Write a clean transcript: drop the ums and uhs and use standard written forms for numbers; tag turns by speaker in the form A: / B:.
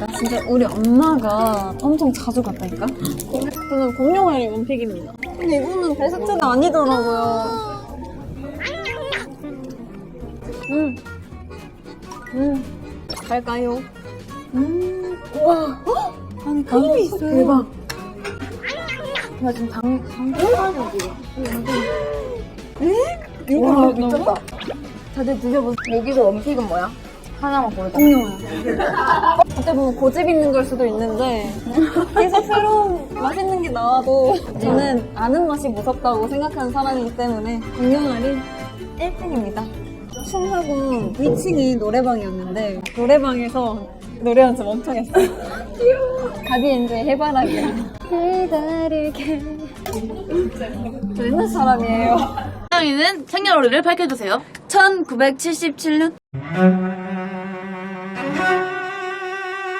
A: 진짜 우리 엄마가 엄청 자주 갔다니까? 저는 공룡알이 원픽입니다. 근데 이거는 베스트가 아니더라고요. 갈까요? 우와. 아니, 크림이 있어요. 대박. 나 지금 당근하는 지금.
B: 와 미쳤다.
A: 다들 드셔보세요.
B: 여기서 원픽은 뭐야? 하나만 고르자.
A: 공룡알. 어떻게 보면 고집 있는 걸 수도 있는데 계속 새로운 맛있는 게 나와도 저는 아는 맛이 무섭다고 생각하는 사람이기 때문에 공룡알이 1등입니다. 춤하고 위층이 노래방이었는데 노래방에서 노래한 적 엄청 했어요. 귀여워. 가비엔드의 해바라기. 기다리게. 저 옛날 사람이에요.
B: 사랑이는 생년월일을 밝혀주세요.
A: 1977년?